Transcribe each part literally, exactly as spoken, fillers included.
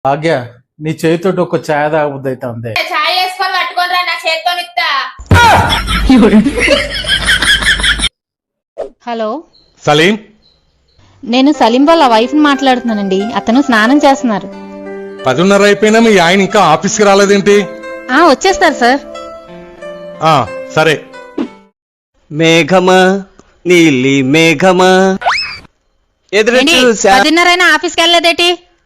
భాగ్య నీ చేతితోటి ఒక ఛాయ్ తాగబుద్ది అయితే ఉంది. ఛాయ్ వేసుకొని పట్టుకొని రా, నా చేతితో ఇస్తా. హలో సలీం, నేను సలీం వాళ్ళ వైఫ్ ని మాట్లాడుతున్నానండి. అతను స్నానం చేస్తున్నారు. పదిన్నర అయిపోయినా మీ ఆయన ఇంకా ఆఫీస్కి రాలేదేంటి? ఆ వచ్చేస్తారు సార్. ఆ సరే. మేఘమా నీలి మేఘమా ఎదురు ఏంటి, చూసా. పదిన్నరైనా ఆఫీస్కి వెళ్ళలేదేటి?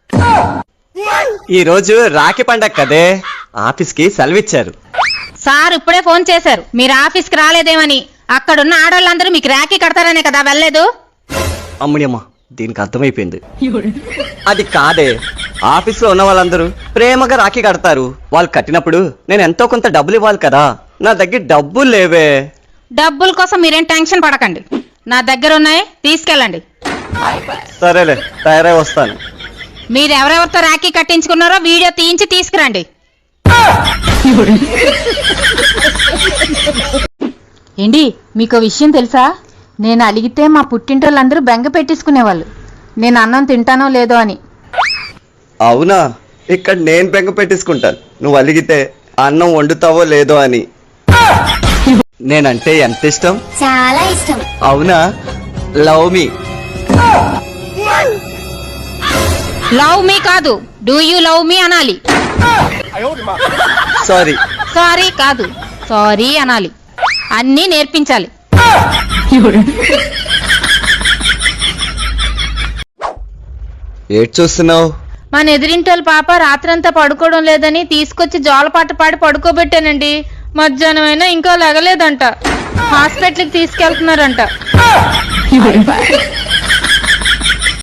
ఈ రోజు రాఖీ పండగ కదే, ఆఫీస్ కి సెలవిచ్చారు. సార్ ఇప్పుడే ఫోన్ చేశారు మీరు ఆఫీస్కి రాలేదేమని. అక్కడున్న ఆడవాళ్ళందరూ మీకు రాఖీ కడతారనే కదా వెళ్ళలేదు. అమ్ముడియమ్మ, దీనికి అర్థమైపోయింది. అది కాదే, ఆఫీస్ లో ఉన్న వాళ్ళందరూ ప్రేమగా రాఖీ కడతారు. వాళ్ళు కట్టినప్పుడు నేను ఎంతో కొంత డబ్బులు ఇవ్వాలి కదా. నా దగ్గర డబ్బులు లేవే. డబ్బుల కోసం మీరేం టెన్షన్ పడకండి, నా దగ్గర ఉన్నాయి, తీసుకెళ్ళండి. సరేలే, తయారై వస్తాను. మీరు ఎవరెవరితో రాఖీ కట్టించుకున్నారో వీడియో తీయించి తీసుకురండి. ఏంటి మీకు విషయం తెలుసా? నేను అలిగితే మా పుట్టింటోళ్ళందరూ బెంగ పెట్టేసుకునేవాళ్ళు, నేను అన్నం తింటానో లేదో అని. అవునా? ఇక్కడ నేను బెంగ పెట్టేసుకుంటాను నువ్వు అలిగితే అన్నం వండుతావో లేదో అని. నేనంటే ఎంత ఇష్టం? చాలా ఇష్టం. అవునా? లవ్ మీ. లవ్ మీ కాదు, డూ యూ లవ్ మీ అనాలి. సారీ. సారీ కాదు, సారీ అనాలి. అన్నీ నేర్పించాలి. ఏడ్ చూస్తున్నావు? మన ఎదిరింటోళ్ళ పాప రాత్రంతా పడుకోవడం లేదని తీసుకొచ్చి జోలపాట పాడి పడుకోబెట్టానండి. మధ్యాహ్నం అయినా ఇంకా లెగలేదంట. హాస్పిటల్కి తీసుకెళ్తున్నారంట.